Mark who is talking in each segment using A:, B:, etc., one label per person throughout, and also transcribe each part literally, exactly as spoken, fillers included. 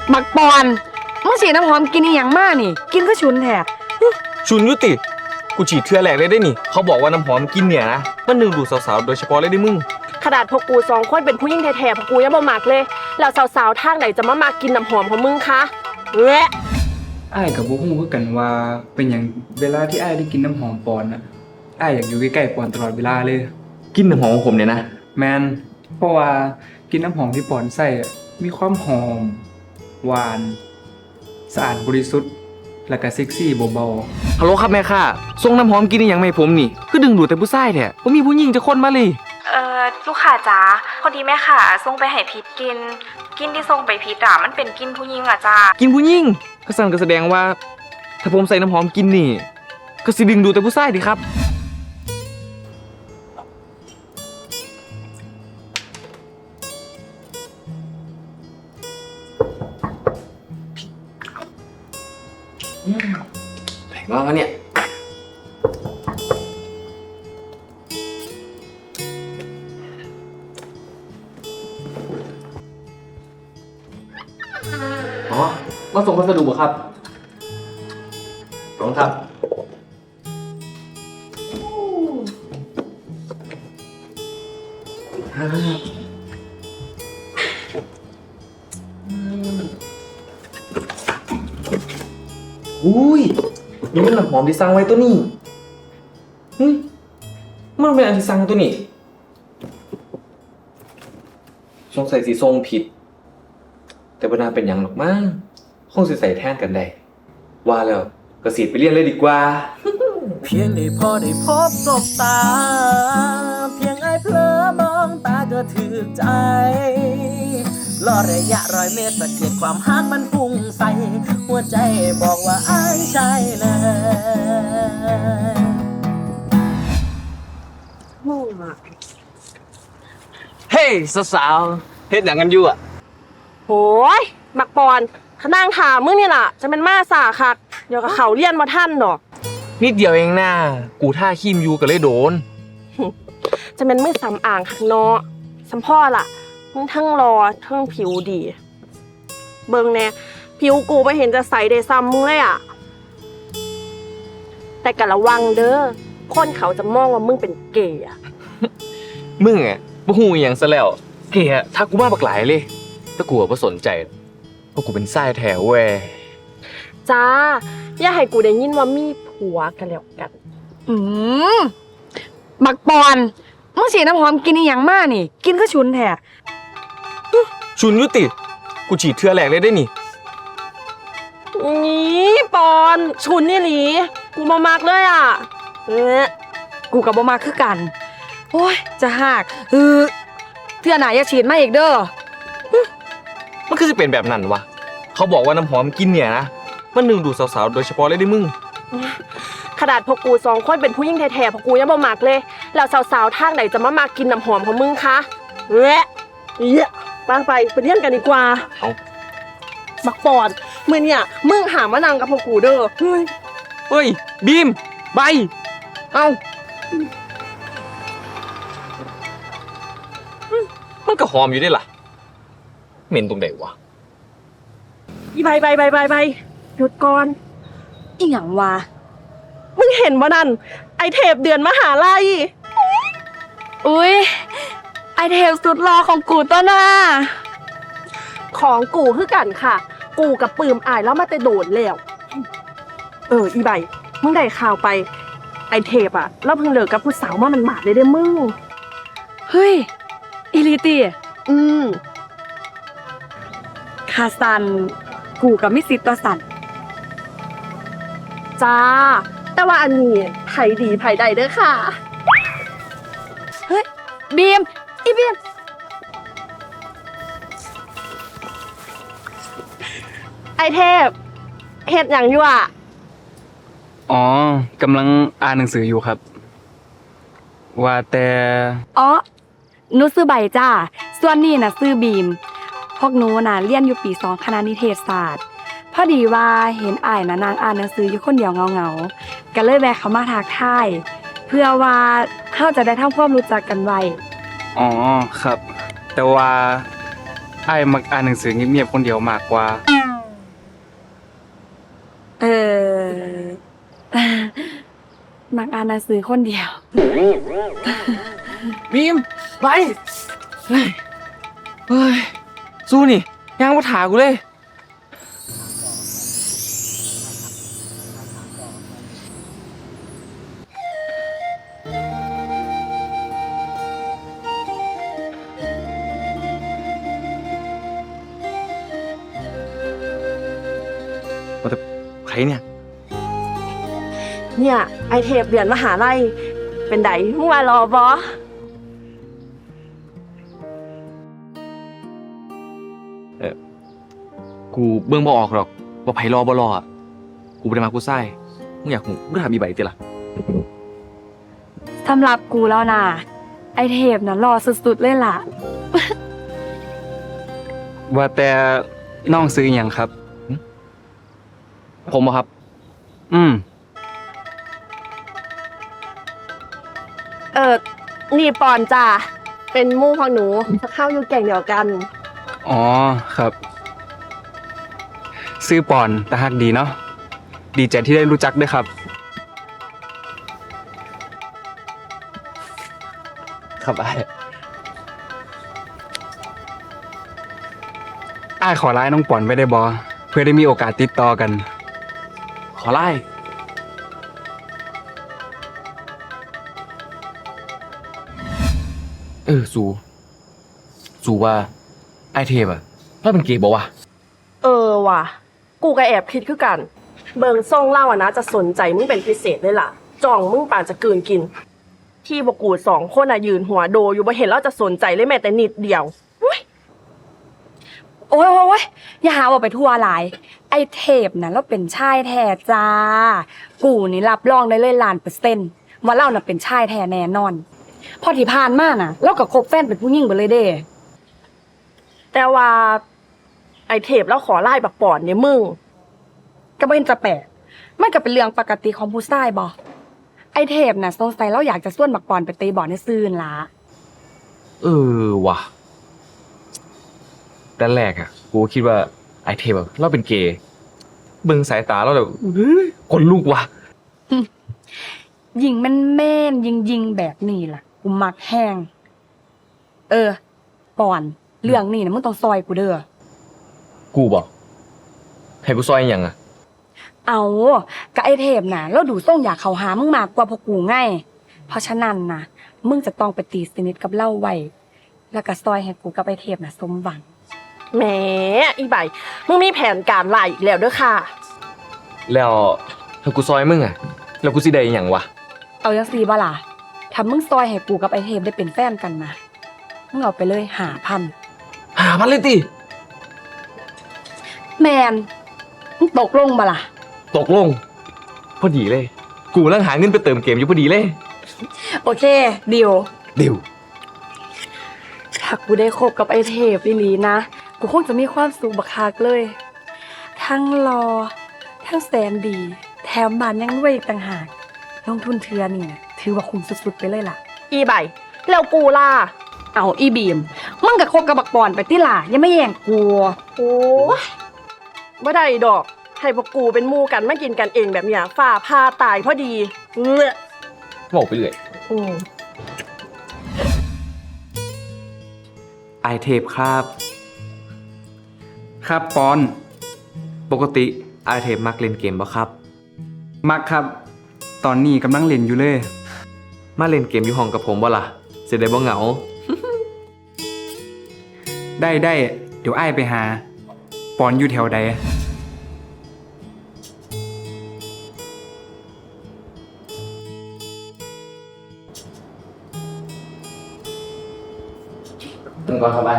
A: บักปอนมึงฉีดน้ำหอมกินอีหยังมากนี่กินก็ฉุนแท้
B: ชุนยุติกูฉีดเทื่อแรกเลยได้นี่เขาบอกว่าน้ำหอมกินเนี่ยนะมันดึงดูดสาวๆโดยเฉพาะเลยได้มึง
C: ขนาดพวกกูสองคนเป็นผู้หญิงแท้ๆพวกกูยังบ่มักเลยแล้วสาวๆทางไหนจะมามากินน้ำหอมของมึงคะแหละ
D: อ้ายกับบ่ฮู้คือกันว่าเป็นหยังเวลาที่อ้ายได้กินน้ำหอมปอนน่ะอ้ายอยากอยู่ใกล้ๆปอนตลอดเวลาเลย
B: กินน้ำหอมของผมเนี่ยนะ
D: แมนเพราะว่ากินน้ำหอมที่ปอนใส่มีความหอมหวานสะอาดบริสุทธิ์และก็เซ็กซี่เบา
B: ฮัลโหลครับแม่ค่ะส่งน้ำหอมกินอย่างไม่ผมนี่คือดึงดูดแต่ผู้ชายแท้บ่มีผู้หญิงจะคนมาเลย
E: เอ่อลูกค้าจ๋าคนที่แม่ค่ะส่งไปให้พิษกินกินที่ส่งไปพิษอ่ะมันเป็นกินผู้หญิงอ่ะจ้า
B: กินผู้หญิงก็สั่นก็แสดงว่าถ้าผมใส่น้ำหอมกินนี่ก็สิดึงดูดแต่ผู้ชายดิครับแพงมากเนี่ยอ๋อมาส่งพัสดุเหรอครับขอบคุณครับอุ้ยนี่มันน้ำหอมที่สั่งไว้ตัวนี้เฮ้ยมันเป็นอันที่สั่งตัวนี้สงสัยสีทรงผิดแต่บรรดาเป็นอย่างหรอกมั้งคงสิใส่แทนกันได้ว่าแล้วก็สีไปเรียนเลยดีกว่า
F: เพียงได้พอได้พบสบตาเพียงไอ้เพลอมองตาก็ถือใจรอระยะร้อยเมตรสะเก็ดความฮักมันพุ่งใส่หัวใจบอกว่าอ้ายใช่เลย
B: เฮ้ยสาวๆเฮ็ดหยังกันอยู่อ่ะ
C: โหยบักปอนขนางถามมึงนี่ล่ะจะเป็นมาสาคักเดี๋ยวกับเขาเรียนมาท่านดอก
B: นิดเดียวเองนะกูท่าขี้มยูก็เลยโดน
C: จะเป็นมึงสำอ่างข้างนอกสัมพ่อล่ะมึงทั้งรอทั้งผิวดีเบิ่งแน่ผิวกูไม่เห็นจะใสได้ซ้ำมึงเลยอ่ะแต่กะระวังเด้อคนเขาจะมองว่ามึงเป็นเกย์อ่ะ
B: มึงอ่ะบ่ฮู้อีหยังซะแล้วเกย์อ่ะถ้ากูมาบักหลายเลยแต่กูบ่สนใจเพราะกูเป็นชายแท้เว้ย
C: จ้าอย่าให้กูได้ยินว่ามีผัวกันแล้วกัน
A: อืมบักปอนมึงฉีดน้ำหอมกินอีหยังมากนี่กินก็ฉุนแท้
B: ชุนยุติกูฉีดเทื่อแรกเลยได้นี่
C: นี่ปอนชุนนี่หลีกูมามากเลยอ่ะเออ
A: กูกับบ่มาคือกันโอ้ยจะหักเออเทื่อหน้าอย่าฉีดมาอีกเด้อ
B: มันคือจะเป็นแบบนั้นวะเขาบอกว่าน้ำหอมกินเนี่ยนะมันดึงดูดสาวๆโดยเฉพาะเลยได้มึง
C: ขนาดพวกกูสองคนเป็นผู้หญิงแท้ๆพวกกูยังบ่มักเลยแล้วสาวๆทางไหนจะมามากินน้ำหอมของมึงคะแหละเยอะไปไปไปเรียนกันดีกว่า
B: เอา
C: บักปอนมื้อเนี่ยมึงหามานั่งกับพวกกูเด้อเฮ้ย
B: เฮ้ยบีมใบเอามันก็หอมอยู่ได้ล่ะเหม็นตรงไหนวะ
C: อีใบใบใบใบใบหยุดก่อน
A: อีหยังวะ
C: มึงเห็นบ่นั่นไอเทปเดือนมหาลัย
A: อุ้ยไอเทปสุดรอของกูต้นน่ะ
C: ของกูคือกันค่ะกูกับปืมอายแล้วมาแต่โดดแล้วเอออีใบมึงได้ข่าวไปไอเทปอะแล้วเพิ่งเลิกกับผู้สาวมามันหมาดเลยเด้อมึง
A: เฮ้ยอีลิตี้
C: อืม
A: คาซันกูกับมิสิตตัวสัน
C: จ้าแต่ว่าอันนี้ไผดีไผใดเด้อค่ะ
A: เฮ้ยบีมอีบีม
C: ไอเทพเฮ็ดหยังอยู่อ่ะ
D: อ๋อกำลังอ่านหนังสืออยู่ครับว่าแต่
A: อ๋อหนูซื้อใบจ้าส่วนนี้น่ะซื้อบีมพวกหนูน่ะเรียนอยู่ปีสองคณะนิเทศศาสตร์พอดีว่าเห็นอ้ายน่ะนางอ่านหนังสืออยู่คนเดียวเงาๆก็เลยแวะเข้ามาทักทายเพื่อว่าเฮาจะได้ทำความรู้จักกันไว้
D: อ๋อครับแต่ว่าอ้ายมักอ่านหนังสือเงียบๆคนเดียวมากกว่า
A: มักอ่านหนังสือคนเดียว
G: บีมไปเฮ้ยเฮ้ยสู้นี่ย่างมาถากูเลยว่าแต่ใครเนี่ย
C: เนี่ยไอเทปเรียนมหาลัยเป็นไดมึงว่ารอบอ
G: กูเบิ่งบ่ออกหรอกว่าไผรอบ่รออะกูบ่ได้มากูไส้มึงอยากหูมึงถามอีใบติล่ะ
A: สำหรับกูแล้วนะไอเทปน่ะรอสุดๆเลยล่ะ
D: ว่าแต่น้องซื้ออหย่างครับ
G: ผมบ่ครับ
D: อืม
C: เออนี่ปอนจ้าเป็นหมู่ของหนูจะเข้าอยู่แก่งเดียวกัน
D: อ๋อครับ ซื้อปอนตาฮักดีเนาะดีใจที่ได้รู้จักด้วยครับ
G: ครับไอ้
D: อ้ายขอไลน์น้องปอนไว้ได้บอเพื่อได้มีโอกาสติดต่อกัน
G: ขอไล่เออสูสูว่าไอเทปอะเราเป็นเกย์บอกว่า
C: เออว่ะ กูก็แอบคิดคือกัน เบิงซ่องเล่าอะนะจะสนใจมึงเป็นพิเศษเลยล่ะจ่องมึงป่านจะกลืนกิน ที่บอกกูสองคนอะยืนหัวโดอยู่บ่เห็นแล้วจะสนใจเลยแม้แต่นิดเดียว
A: โอ้ยโอ้ยโอ้ยอย่าหาว่าไปทั่วหลาย ไอเทปน่ะเราเป็นชายแท้จ้า กูนี่รับรองได้เลยล้านเปอร์เซ็นต์ว่าเราน่ะเป็นชายแท้แน่นอน พอที่ผ่านมาน่ะ เราก็คบแฟนเป็นผู้หญิงไปเลยเด้
C: แต่ว่าไอเทปแล้วขอไล่บักปอนเนี่ยมึง
A: ก็บ่เห็นจะแปลกมันก็เป็นเรื่องปกติของผู้ชายบ่ไอเทปน่ะสงสัยเราอยากจะส่วนบักปอนไปตีบอลในซื่นล่ะ
G: เออว่ะด้านแรกอะกูคิดว่าไอเทปแบบเราเป็นเกย์เบิ่งสายตาเราแบบเฮ้ยคนลุกว่ะ
A: ยิงแม่นแม่นยิงยิงๆแบบนี้ล่ะ กูมักแห้ง เออ ปอน เรื่องนี้นะมึงต้องซอยกูเด้อ
G: กูบอกให้กูซอยอหย่างอะ
A: เอากะไอเทปน่ะเราดูส่งอยากเข้าหามึงมากกว่าพวกกูไงเพราะฉะนั้นนะมึงจะต้องไปตีสนิทกับเล่าไว้แล้วก็ซอยให้กูกับไอเทปน่ะสมหวัง
C: แหมอีใบมึงมีแผนการไล่อีกแล้วเด้อค่ะ
G: แล้วถ้ากูซอยมึงอะแล้วกูสิได้อหย่างวะ
A: เอาจังซี่บ่ล่ะถ้ามึงซอยให้กูกับไอเทปได้เป็นแฟนกันนะมึงเอาไปเลยหาพัน
G: หาพันเลยติ
A: แมนมึงตกลงบ่ล่ะ
G: ตกลง พอดีเลย กูกำลังหาเงินไปเติมเกมอยู่พอดีเลย
A: โอเคดิว
G: เดี๋ยว
A: ถ้ากูได้คบกับไอเทปอีหลีนะ กูคงจะมีความสุขบักคักเลย ทั้งรอ ทั้งแสนดี แถมบ้านยังรวยอีกต่างหาก ลงทุนเทือนี่นะถือว่าคุ้มสุดๆไปเลยล่ะ
C: อีใบแล้วกูล่ะ
A: เอาอีบีม มึงกับคบกับบักปอนไปที่ล่ะ ยังไม่แย่งกู
C: โอ้ยบ่ได้ดอก ให้พวกกูเป็นหมู่กันมากินกันเองแบบเนี้ยฝ่าพาตายพอดีเงื้อ
G: บอกไปเรื่อย
C: อืม
D: ไอเทปครับ ครับปอน
G: ปกติไอเทปมักเล่นเกมบ่ครับ
D: มักครับ ตอนนี้กำลังเล่นอยู่เลย
G: มาเล่นเกมอยู่ห้องกับผมบ่ล่ะเสียได้บ่เหงา
D: ได้ได้เดี๋ยวไอ้ายไปหา ปอนอยู่แถวใด
G: มึงก็สบาย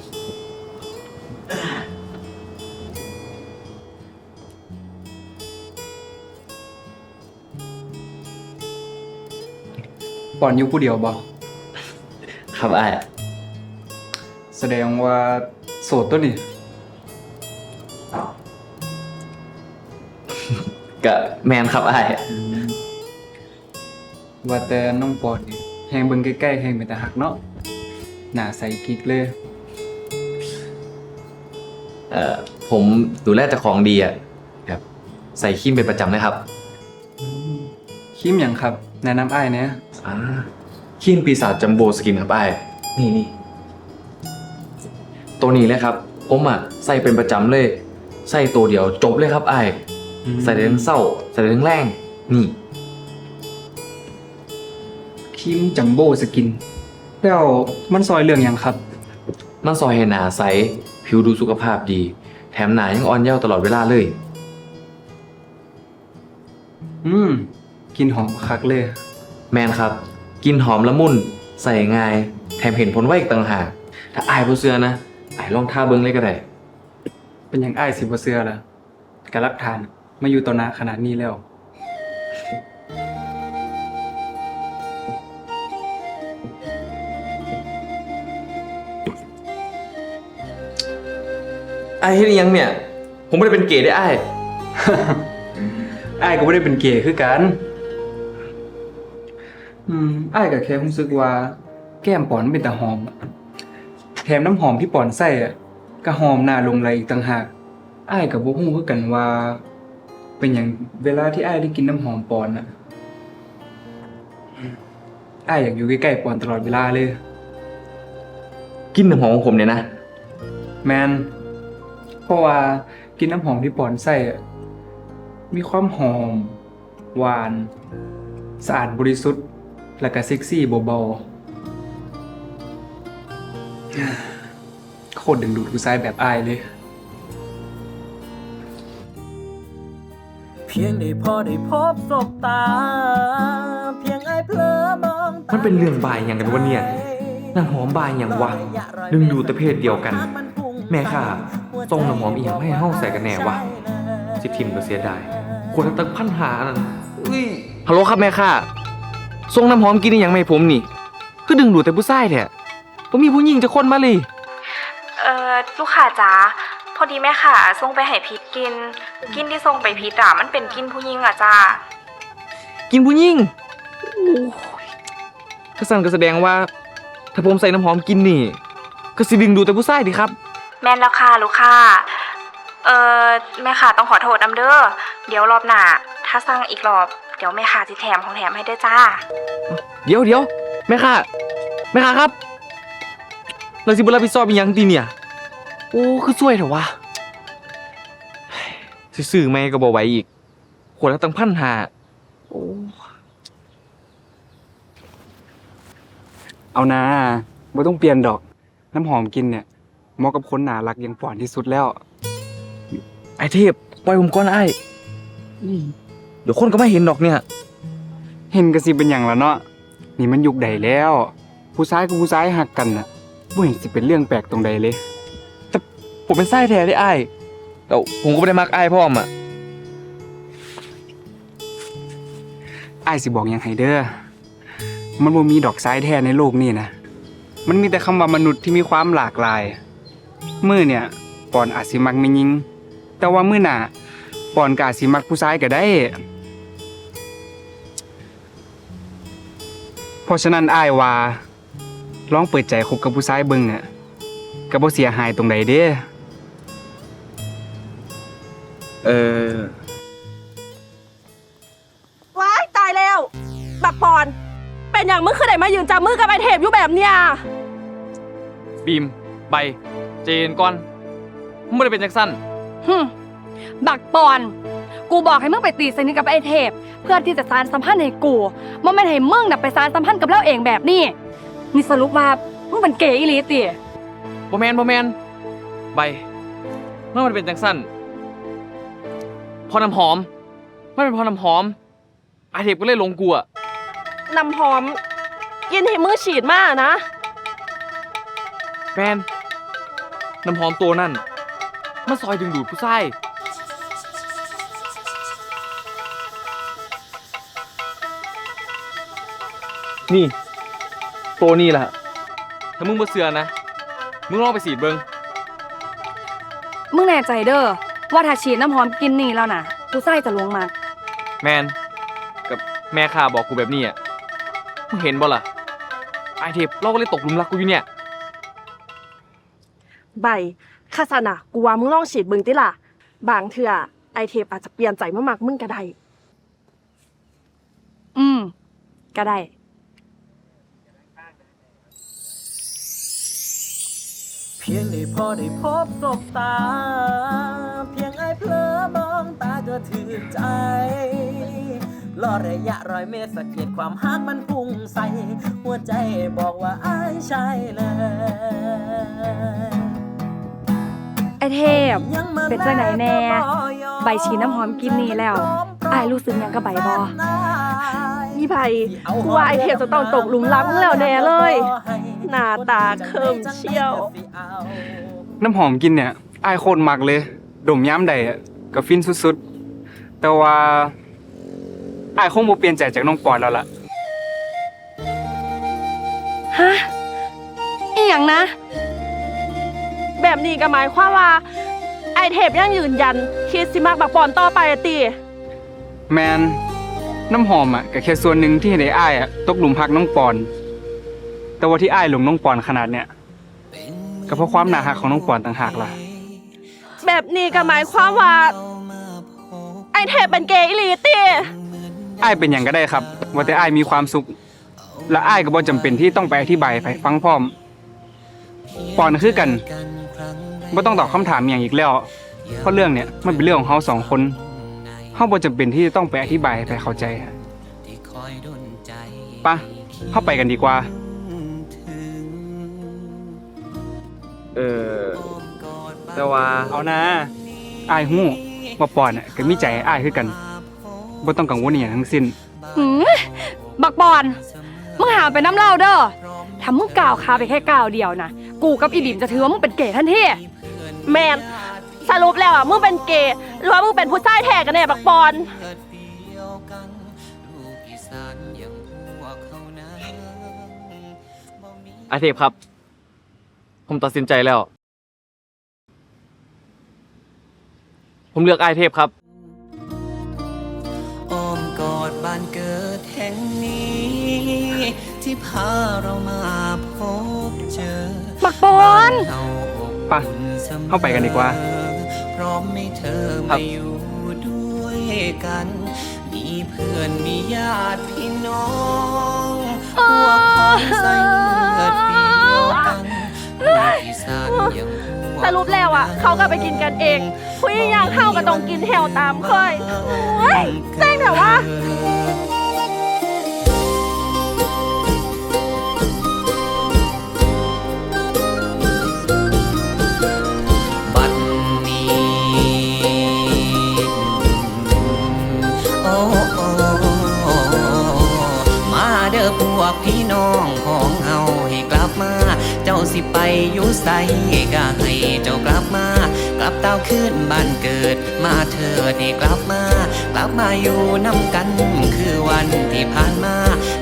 D: ปอนอยู่ผู้เดียวบ่
G: ครับไอ้
D: แสดงว่าโสดตัวนี้
G: ก็แมนครับไอ้
D: ว่าแต่น้องปอนนี่แฮงเบิ่งใกล้ๆแฮงเป็นตาหักเนาะหน้าใสกิ๊กเลย
G: เอ่อผมดูแลเจ้าของดีอ่ะแบบใส่ครีมเป็นประจำนะครับ
D: คิมหยังครับแนะนำอ้ายเนี่ย
G: อ่าครีมปีศาจจัมโบ้สกินครับไอ้ายนี่นี่ตัวนี้เลยครับ ผมอ่ะใส่เป็นประจำเลย ใส่ตัวเดียวจบเลยครับไอ้ายใส่ได้ทั้งเศร้า ใส่ได้ทั้งแรงนี่
D: ครีมจัมโบ้สกิน แล้วมันซอยเรื่องหยังครับ
G: มันซอยให้หนาใส ผิวดูสุขภาพดี แถมหนายังอ่อนเยาว์ตลอดเวลาเลย
D: อืมกลินหอมคักเลย
G: แมนครับ กินหอมละมุน ใส่ง่าย แถมเห็นผลไวอีกต่างหาก ถ้าอายบ่เชื่อนะอายลองท่าเบิ่งเลยก็ได้
D: เป็นหยังอ้ายสิบ่เชื่อล่ะการรักฐานมาอยู่ต่อหน้าขนาดนี้แล้ว
G: อายเฮ็ดอิหยังเนี่ย ผมไม่ได้เป็นเกย์ได้อาย
D: อ้ายก็ไม่ได้เป็นเกย์คือกัน อืมอ้ายก็แค่รู้สึกว่า แก้มปอนเป็นตาหอมอะแถมน้ำหอมที่ปอนใส่อ่ะก็หอมน่าหลงไหลอีกต่างหากอ้ายก็บ่ฮู้คือกันว่า เป็นหยังเวลาที่อ้ายได้กินน้ำหอมปอนอ่ะอ้ายอยากอยู่ใกล้ๆปอนตลอดเวลาเลย
G: กินน้ำหอมของผมเนี่ยนะ
D: แมนเพราะว่ากินน้ำหอมที่ปอนใส่อะมีความหอม หวาน สะอาดบริสุทธิ์ และก็เซ็กซี่เบาๆ โคตรดึงดูดผู้ชายแบบอายเลย
F: เพียงได้พอได้พบสบตา เพียงไอ้เพลอมองตา
G: มันเป็นเรื่องบายอย่างกันวะเนี่ยน้ำหอมบายอย่างวะดึงดูดแต่เพศเดียวกัน แม่ค่ะส่งน้ำหอมอีหยังไม่ให้ห้องใส่กันแน่วะสิทิมก็เสียดายควรจะตั้งพันหานั่นอุ้ยฮัลโหลครับแม่ค่ะส่งน้ำหอมกินอหยังไม่ให้ผมนี่คือดึงดูดแต่ผู้ชายแท้ผมมีผู้หญิงจะคนมาเลย
E: เอ่อลูกค้าจ๋าพอดีแม่ค่ะส่งไปให้พิษกิน กินที่ส่งไปพิษอ่ะมันเป็นกินผู้หญิงอ่ะจ้า
G: กินผู้หญิงโอ้ยถ้าสั่นก็แสดงว่า ถ้าผมใส่น้ำหอมกินนี่ ก็สิดึงดูดแต่ผู้ชายดิครับ
E: แม่นแล้วค่ะลูกค้าเอ่อแม่ค่ะต้องขอโทษนำเด้อเดี๋ยวรอบหน้าถ้าสั่งอีกรอบเดี๋ยวแม่ค่ะสิแถมของแถมให้ด้วยจ้า
G: เดี๋ยวเดี๋ยวแม่ค่ะแม่ค่ะครับเราสิบุรับผิดชอบอีหยังตีเนี่ย โอ้คือช่วยเถอะวะเฮ้ยซื้อๆไม่ก็บ่ไหวอีกขวดละตั้งพันหาโอ้
D: เอานะบ่ต้องเปลี่ยนดอก น้ำหอมกินเนี่ยเหมาะกับคนน่ารักอย่างปอนที่สุดแล้ว
G: ไอเทพปล่อยผมก่อนไอ้เดี๋ยวคนก็ไม่เห็นดอกเนี่ย
D: เห็นก็สิเป็นหยังละเนาะนี่มันยุคใดแล้ว ผู้ชายกับผู้ชายหักกันน่ะบ่เห็นสิเป็นเรื่องแปลกตรงใดเลย
G: ผมเป็นไส้แท้ได้ไอ้แต่ผมก็ไม่ได้มักไอ้พ่อมอ่ะ
D: อ้ายสิบอกหยังให้เด้อมันบ่มีดอกซ้ายแท้ในโลกนี้นะมันมีแต่คำว่ามนุษย์ที่มีความหลากหลาย มื้อเนี่ยปอนอาจสิมักแม่หญิง แต่ว่ามื้อหน้าปอนก็อาจสิมักผู้ชายก็ได้ เพราะฉะนั้นอ้ายว่าลองเปิดใจคบกับผู้ชายเบิ่งอ่ะก็บ่เสียหายตรงใดเด้
G: เออ
C: ว้ายตายแล้ว บักปอน เป็นอย่างมึงคือได้มายืนจับมือกับไอเทพอยู่แบบเนี้ย
G: บีมใบเจนก่อนมันไม่ได้เป็นจังสั้น
A: ฮึมบักปอน กูบอกให้มึงไปตีสนิทกับไอ้เทพ เพื่อที่จะสานสัมพันธ์ให้กูมันไม่นให้มึงน่ะไปสานสัมพันธ์กับเราเองแบบนี้นี่สรุปว่ามึงเป็นเกย์อีหลีติ
G: โบแมนโบแมนใบเมื่อมันเป็นจังสั้นพอน้ำหอมไม่เป็นพอน้ำหอมไอเทพก็เลยหลงกูอะ
C: น้ำหอม กินให้มือฉีดมากนะ
G: แมนน้ำหอมตัวนั่นมันซอยดึงดูดผู้ชายนี่ ตัวนี้แหละถ้ามึงบ่เสือนะ มึงลองไปสีดเบิง
A: มึงแน่ใจเด้อว่าถ้าฉีดน้ำหอมกินนี่แล้วน่ะกูใส่จะลวงมาก
G: แมนกับแม่ข้าบอกกูแบบนี้อ่ะมึงเห็นบ่ล่ะไอเทปเราก็เลยตกหลุมรักกูอยู่เนี่ย
C: ใบคาสนะกูว่ามึงลองฉีดเบิ่งติล่ะ บางเทื่อไอเทพอาจจะเปลี่ยนใจมามักมึงก็ได้
A: อืมก็ได้
F: เพียงได้พอได้พบสบตา เพียงไอ้เพลอมองตาก็ถือใจรอระยะร้อยเมตรสังเกตความฮักมันพุ่งใส่ หัวใจบอกว่าไอ้ใช่เลย
A: ไอเทพ เป็นจังไหนแน่ ใบชีน้ำหอมกินนี่แล้วอายรู้สึกหยังกับใบบ่
C: อีใบกูว่าไอเทพจะต้องตกหลุมรักมึงแล้วแน่เลย หน้าตาเคิมเชี่ยว
D: น้ำหอมกินเนี่ยอายโคตรมักเลย ดมย้ำใดอะก็ฟินสุดๆ แต่ว่าอายคงบ่เปลี่ยนใจจากน้องปอนแล้วล่ะ
A: ฮะอีหยังนะ
C: แบบนี้ก็หมายความว่า ไอเทพยังยืนยันคิดสิมักบักปอนต่อไปอะติ
D: แมนน้ำหอมอ่ะก็แค่ส่วนหนึ่งที่เห็นไอ้อ้ายอ่ะตกหลุมพักน้องปอน แต่ว่าที่อ้ายหลงน้องปอนขนาดเนี้ยก็เพราะความน่ารักของน้องปอนต่างหากล่ะ
C: แบบนี้ก็หมายความว่า ไอเทพเป็นเกย์อีหลีติ
D: อ้ายเป็นอย่างก็ได้ครับ ว่าแต่อ้ายมีความสุข และอ้ายก็บ่จำเป็นที่ต้องไปอธิบายไปฟังพร้อม ปอนคือกันบ่ต้องตอบคำถามอย่างอีกแล้ว เพราะเรื่องเนี้ยมันเป็นเรื่องของเฮาสองคนเฮาบ่จำเป็นที่จะต้องไปอธิบายไปเข้าใจปะเฮาไปกันดีกว่า
G: เออ แต่ว่า
D: เอานะอ้ายฮู้ว่าปอนน่ะก็มีใจให้อ้ายคือกันบ่ต้องกังวลอหย่างทั้งสิ้น
A: หืมบักบอนมึงหาไปน้ำเหล่าเด้อถ้ามึงกล่าวคาไปแค่ก้าวเดียวนะกูกับอีบิมจะถือว่ามึงเป็นเก๋ทันที
C: แมนสรุปแล้วอ่ะมึงเป็นเกย์หรือว่ามึงเป็นผู้ชายแท้กันแน่บักปอน
G: อาเทพครับ ผมตัดสินใจแล้ว ผมเลือกไอเทพครับ
H: อ้อมกอดบ้านเกิดแห่งนี้ ที่พาเรามาพบเจอ
A: บักปอน
D: ไปเข้าไปกันดีกว่า
H: พร้อมให้เธอ
G: ครั
H: มา
G: บ
H: อยู่ด้วยกัน มีเพื่อนมีญาติพี่น้องพวกพ้องใส่เลือดเดียวกันลูกอีสานอย่างพวก
C: สรุปแล้วอ่ะ เขาก็ไปกินกันเองผู้หญิงอย่างเข้าก็ต้องกินแถวตามเคยเฮ้ยเซ็งแต่ว่า
H: บัดนี้โอ้โอ้มาเด้อพวกพี่น้องของเฮาให้กลับมา เจ้าสิไปอยู่ไสก็ให้เจ้ากลับมา กลับเต้าขึ้นบ้านเกิด มาเถิดให้กลับมา กลับมาอยู่นำกันคือวันที่ผ่านมา